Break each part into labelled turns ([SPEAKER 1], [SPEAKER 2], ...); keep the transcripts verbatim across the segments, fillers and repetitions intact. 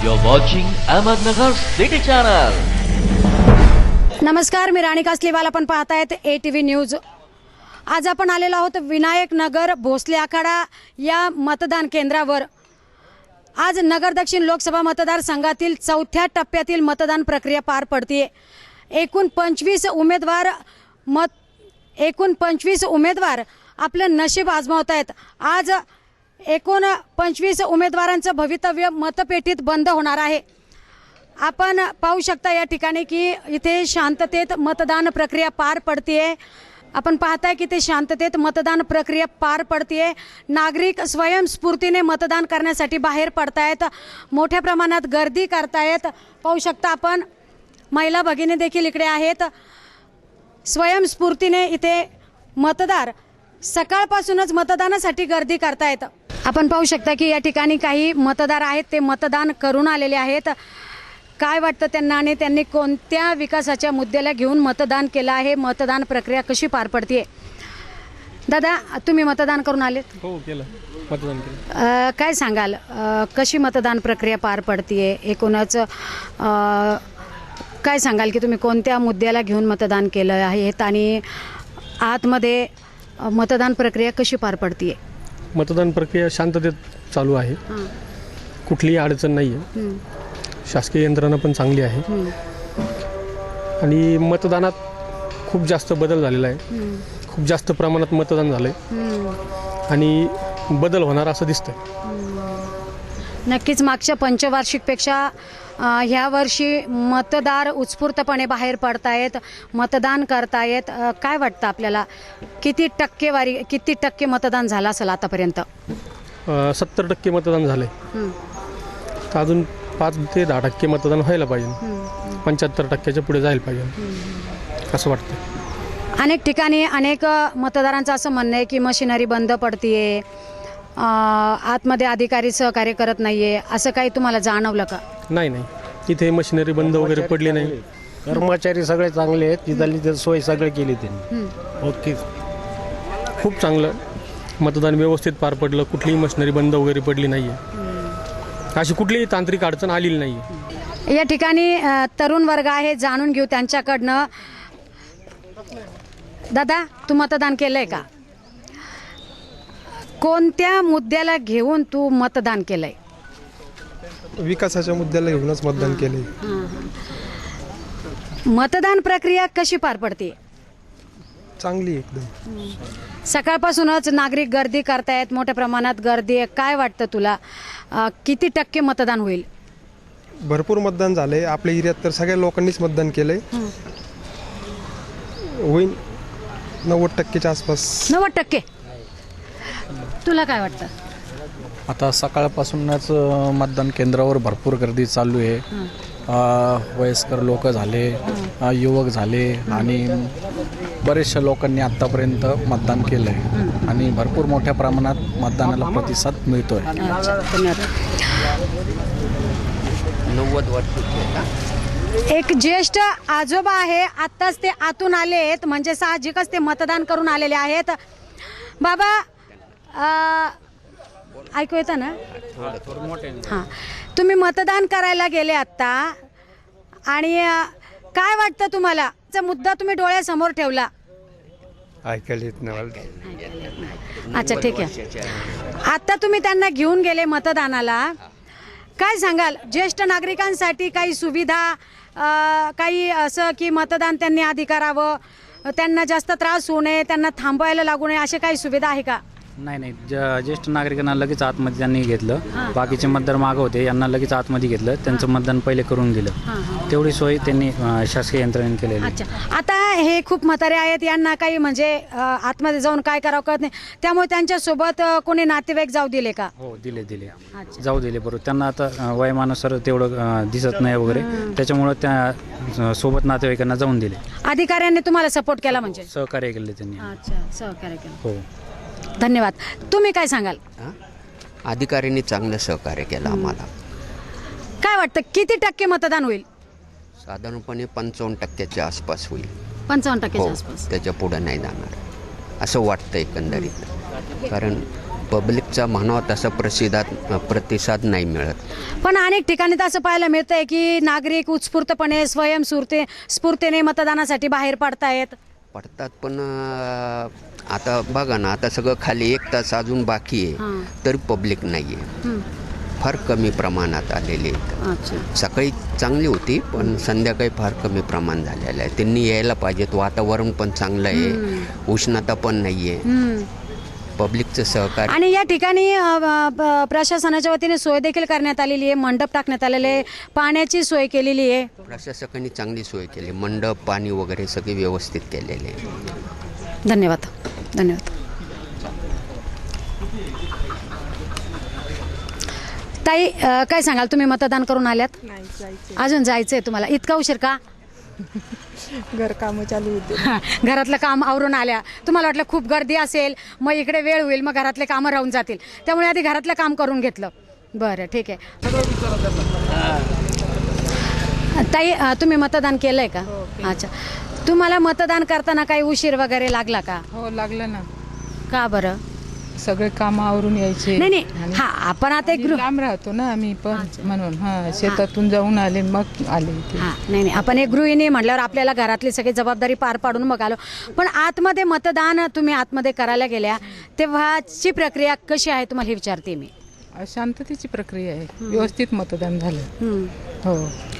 [SPEAKER 1] You're watching Ahmednagar City Channel.
[SPEAKER 2] नमस्कार, मी राणी कासलीवाल. आपण पाहतायत ए टी व्ही न्यूज. आज आपण आलेलो आहोत विनायक नगर भोसले आखाडा या मतदान केंद्रावर. आज नगर दक्षिण लोकसभा मतदारसंघातील चौथ्या टप्प्यातील मतदान प्रक्रिया पार पडते. एकूण पंचवीस उमेदवार मत एकूण पंचवीस उमेदवार आपलं नशीब आजमावत आहेत. आज एकूण पंचवीस उमेदवारांचं भवितव्य मतपेटीत बंद होणार आहे. आपण पाहू शकता या ठिकाणी की इथे शांततेत मतदान प्रक्रिया पार पडते. आपण पाहताय की ते शांततेत मतदान प्रक्रिया पार पडते. नागरिक स्वयंस्फूर्तीने मतदान करण्यासाठी बाहेर पडतायत. मोठ्या प्रमाणात गर्दी करतायत. पाहू शकता आपण महिला भगिनी देखील इकडे आहेत. स्वयंस्फूर्तीने इथे मतदार सकाळपासूनच मतदानासाठी गर्दी करतायत. आपण पाहू शकता की या ठिकाणी काही मतदार आहेत, ते मतदान करून आलेले आहेत. काय वाटतं त्यांना आणि त्यांनी कोणत्या विकासाच्या मुद्द्याला घेऊन मतदान केलं आहे, मतदान प्रक्रिया कशी पार पडते? दादा, तुम्ही मतदान करून आलेत?
[SPEAKER 3] हो, केलं मतदान केलं.
[SPEAKER 2] अ, काय सांगाल, अ, कशी मतदान प्रक्रिया पार पडते एकूणच? अ, काय सांगाल की तुम्ही कोणत्या मुद्द्याला घेऊन मतदान केलं आहे आणि आतमध्ये मतदान प्रक्रिया कशी पार पडते?
[SPEAKER 3] मतदान प्रक्रिया शांततेत चालू आहे. कुठलीही अडचण नाही आहे. शासकीय यंत्रणा पण चांगली आहे आणि मतदानात खूप जास्त बदल झालेला आहे. खूप जास्त प्रमाणात मतदान झालं आहे आणि बदल होणार असं दिसतंय.
[SPEAKER 2] नक्कीच मागच्या पंचवार्षिकपेक्षा ह्या वर्षी मतदार उत्स्फूर्तपणे बाहेर पडतायत, मतदान करतायत. काय वाटतं आपल्याला, किती टक्केवारी किती टक्के मतदान झालं असेल आतापर्यंत?
[SPEAKER 3] सत्तर टक्के मतदान झालं आहे. तर अजून पाच ते दहा टक्के मतदान व्हायला पाहिजे. पंच्याहत्तर टक्क्याच्या पुढे जायला पाहिजे असं वाटतं.
[SPEAKER 2] अनेक ठिकाणी अनेक मतदारांचं असं म्हणणं आहे की मशिनरी बंद पडतीये, आतमध्ये अधिकारी सहकार्य करत नाहीये. असं काही तुम्हाला जाणवलं का?
[SPEAKER 3] नाही नाही, इथे मशिनरी बंद वगैरे पडली नाही.
[SPEAKER 4] कर्मचारी सगळे चांगले आहेत. तिथली सोय सगळे केली त्यांनी. ओके,
[SPEAKER 3] खूप चांगलं मतदान व्यवस्थित पार पडलं. कुठलीही मशिनरी बंद वगैरे पडली नाही आहे. अशी कुठलीही तांत्रिक अडचण आलेली नाही आहे.
[SPEAKER 2] या ठिकाणी तरुण वर्ग आहे, जाणून घेऊ त्यांच्याकडनं. दादा, तू मतदान केलंय का? कोणत्या मुद्द्याला घेऊन तू मतदान केलंय?
[SPEAKER 5] विकासाच्या मुद्द्याला घेऊनच मतदान केले.
[SPEAKER 2] मतदान प्रक्रिया कशी पार पडते?
[SPEAKER 5] चांगली एकदम.
[SPEAKER 2] सकाळपासूनच नागरिक गर्दी करतायत, मोठ्या प्रमाणात गर्दी आहे. काय वाटतं तुला, किती टक्के मतदान होईल?
[SPEAKER 5] भरपूर मतदान झालंय आपल्या एरियात, तर सगळ्या लोकांनीच मतदान केलंय. होईल नव्वद टक्केच्या आसपास.
[SPEAKER 2] नव्वद टक्के. तुला काय वाटतं?
[SPEAKER 6] आता सकाळपासूनच मतदान केंद्रावर भरपूर गर्दी चालू आहे. वयस्कर लोक झाले, युवक झाले आणि बरेचशा लोकांनी आत्तापर्यंत मतदान केलं आहे आणि भरपूर मोठ्या प्रमाणात मतदानाला प्रतिसाद मिळतो आहे.
[SPEAKER 1] नव्वद वर्ष
[SPEAKER 2] एक ज्येष्ठ आजोबा आहे, आत्ताच ते आतून आले आहेत, म्हणजे साहजिकच ते मतदान करून आलेले आहेत. बाबा, ऐकू येतं ना? हां, तुम्ही मतदान करायला गेले आत्ता आणि काय वाटतं तुम्हाला? मुद्दा तुम्ही डोळ्यासमोर ठेवला.
[SPEAKER 5] ऐकायला येत नाही.
[SPEAKER 2] अच्छा, ठीक आहे. आता तुम्ही त्यांना घेऊन गेले मतदानाला, काय सांगाल? ज्येष्ठ नागरिकांसाठी काही सुविधा, काही असं की मतदान त्यांनी आधी करावं, त्यांना जास्त त्रास होऊ नये, त्यांना थांबवायला लागू नये, अशा काही सुविधा आहे का?
[SPEAKER 7] नाही नाही, ज्येष्ठ नागरिकांना लगेच आतमध्ये त्यांनी घेतलं. बाकीचे मतदार मागं होते, यांना लगेच आतमध्ये घेतलं. त्यांचं मतदान पहिले करून दिलं. तेवढी सोय त्यांनी शासकीय यंत्रणेने केलेली.
[SPEAKER 2] अच्छा, आता हे खूप म्हातारे आहेत, यांना काही म्हणजे आतमध्ये जाऊन काय करावं कळत नाही, त्यामुळे त्यांच्यासोबत कोणी नातेवाईक जाऊ दिले का?
[SPEAKER 7] हो, दिले दिले जाऊ दिले. बरोबर, त्यांना आता वयमानुसार तेवढं दिसत नाही वगैरे, त्याच्यामुळं त्या सोबत नातेवाईकांना जाऊन दिले.
[SPEAKER 2] अधिकाऱ्यांनी तुम्हाला सपोर्ट केला, म्हणजे
[SPEAKER 7] सहकार्य केले त्यांनी.
[SPEAKER 2] अच्छा, सहकार्य केलं.
[SPEAKER 7] हो,
[SPEAKER 2] धन्यवाद. तुम्ही काय सांगाल?
[SPEAKER 8] अधिकाऱ्यांनी चांगलं सहकार्य केलं आम्हाला.
[SPEAKER 2] काय वाटतं, किती टक्के मतदान होईल?
[SPEAKER 8] साधारणपणे पंचावन्न टक्क्याच्या आसपास होईल.
[SPEAKER 2] पंचावन्न
[SPEAKER 8] हो,
[SPEAKER 2] टक्क्याच्या आसपास.
[SPEAKER 8] त्याच्या पुढे नाही जाणार असं वाटतं एकंदरीत. कारण पब्लिकचा म्हणावा तसा प्रसिद्धात प्रतिसाद नाही मिळत.
[SPEAKER 2] पण अनेक ठिकाणी तर असं पाहायला मिळतंय की नागरिक उत्स्फूर्तपणे स्वयंस्फूर्ती स्फूर्तीने मतदानासाठी बाहेर पडतायत.
[SPEAKER 8] पडतात पण अं, आता बघा ना, आता सगळं खाली एक तास अजून बाकी आहे तरी पब्लिक नाही आहे. फार कमी प्रमाणात आलेले आहेत.
[SPEAKER 2] अच्छा.
[SPEAKER 8] सकाळी चांगली होती पण संध्याकाळी फार कमी प्रमाण झालेलं आहे. त्यांनी यायला पाहिजेत. वातावरण पण चांगलं आहे, उष्णता पण नाही आहे. पब्लिकचं सहकार्य.
[SPEAKER 2] आणि या ठिकाणी अ, ब- प्रशासनाच्या वतीने सोय देखील करण्यात आलेली आहे. मंडप टाकण्यात आलेले आहे, पाण्याची सोय केलेली आहे.
[SPEAKER 8] प्रशासकांनी चांगली सोय केली. मंडप, पाणी वगैरे सगळे व्यवस्थित केलेले आहे.
[SPEAKER 2] धन्यवाद धन्यवाद ताई, अ, काय सांगाल, तुम्ही मतदान करून आल्यात?
[SPEAKER 9] नाही जायचं,
[SPEAKER 2] अजून जायचंय तुम्हाला? इतका उशीर का?
[SPEAKER 9] घर कामं चालू होते.
[SPEAKER 2] घरातलं काम आवरून आल्या, तुम्हाला वाटलं खूप गर्दी असेल, मग इकडे वेळ होईल, मग घरातले कामं राहून जातील, त्यामुळे आधी घरातलं काम करून घेतलं. बरं, ठीक आहे. ताई, अ, तुम्ही मतदान केलंय का? अच्छा. तुम्हाला मतदान करताना काही उशीर वगैरे लागला का?
[SPEAKER 9] हो लागलं ना,
[SPEAKER 2] का बरं?
[SPEAKER 9] सगळे काम आवरून यायचे.
[SPEAKER 2] नाही नाही, हा, आपण आता एक
[SPEAKER 9] आणि
[SPEAKER 2] गृह
[SPEAKER 9] लांब राहतो ना आम्ही पण, म्हणून हा शेतातून जाऊन आले मग आले इथे.
[SPEAKER 2] हा, नाही नाही, आपण एक गृहिणी म्हटल्यावर आपल्याला घरातली सगळी जबाबदारी पार पाडून मग आलो. पण आतमध्ये मतदान तुम्ही आतमध्ये करायला गेल्या तेव्हाची प्रक्रिया कशी आहे तुम्हाला हे विचारते मी.
[SPEAKER 9] शांततेची प्रक्रिया आहे, व्यवस्थित मतदान झालं. हो.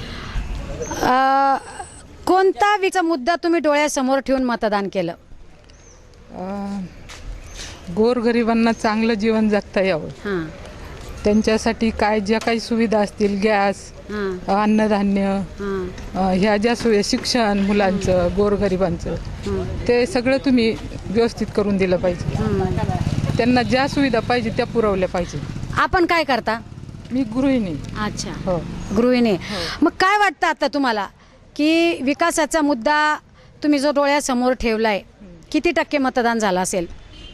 [SPEAKER 2] अ, कोणता विचा मुद्दा तुम्ही डोळ्यासमोर ठेवून मतदान केलं?
[SPEAKER 9] अं, गोरगरिबांना चांगलं जीवन जगता यावं,
[SPEAKER 2] हां
[SPEAKER 9] त्यांच्यासाठी काय ज्या काही सुविधा असतील, गॅस,
[SPEAKER 2] हां
[SPEAKER 9] अन्नधान्य,
[SPEAKER 2] हां
[SPEAKER 9] अं, ह्या ज्या सुविधा, शिक्षण मुलांचं, गोरगरिबांचं, ते सगळं तुम्ही व्यवस्थित करून दिलं पाहिजे. त्यांना ज्या सुविधा पाहिजे त्या पुरवल्या पाहिजे.
[SPEAKER 2] आपण काय करता?
[SPEAKER 9] मी गृहिणी.
[SPEAKER 2] अच्छा,
[SPEAKER 9] हो.
[SPEAKER 2] गृहिणी. मग काय वाटतं आता तुम्हाला की विकासाचा मुद्दा तुम्ही जो डोळ्यासमोर ठेवलाय, किती टक्के मतदान झालं असेल?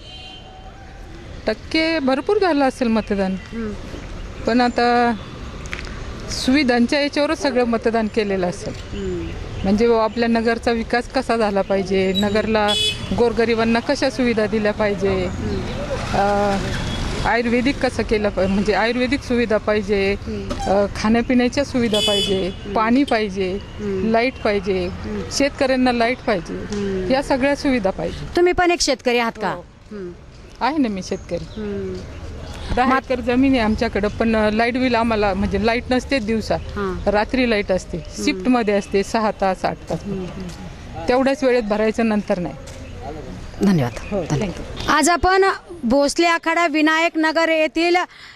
[SPEAKER 9] टक्के भरपूर झालं असेल मतदान, पण आता सुविधांच्या याच्यावरच सगळं मतदान केलेलं असेल. म्हणजे बुवा आपल्या नगरचा विकास कसा झाला पाहिजे, नगरला गोरगरिबांना कशा सुविधा दिल्या पाहिजे, अं, आयुर्वेदिक कसं केलं पाहिजे, म्हणजे आयुर्वेदिक सुविधा पाहिजे, अं, खाण्यापिण्याच्या सुविधा पाहिजे, पाणी पाहिजे, लाईट पाहिजे, शेतकऱ्यांना लाईट पाहिजे, या सगळ्या सुविधा पाहिजे.
[SPEAKER 2] तुम्ही पण एक शेतकरी आहात का?
[SPEAKER 9] आहे ना, मी शेतकरी. दहा एकर जमीन आहे आमच्याकडं, पण लाईट बिल आम्हाला, म्हणजे लाईट नसते दिवसा, रात्री लाईट असते, शिफ्ट मध्ये असते, सहा तास आठ तास, तेवढ्याच वेळेत भरायचं, नंतर नाही.
[SPEAKER 2] धन्यवाद.
[SPEAKER 9] हो, थँक्यू.
[SPEAKER 2] आज आपण भोसले आखाडा विनायक नगर येथील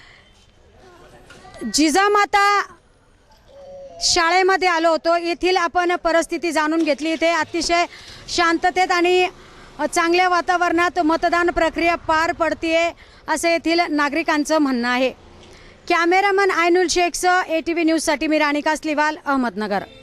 [SPEAKER 2] जिजामाता शाळेमध्ये आलो होतो. येथील आपण परिस्थिती जाणून घेतली. इथे अतिशय शांततेत आणि चांगल्या वातावरणात मतदान प्रक्रिया पार पडतीये असं येथील नागरिकांचं म्हणणं आहे. कॅमेरामन आयनुल शेखसह ए टी व्ही न्यूजसाठी मी राणी कासलीवाल, अहमदनगर.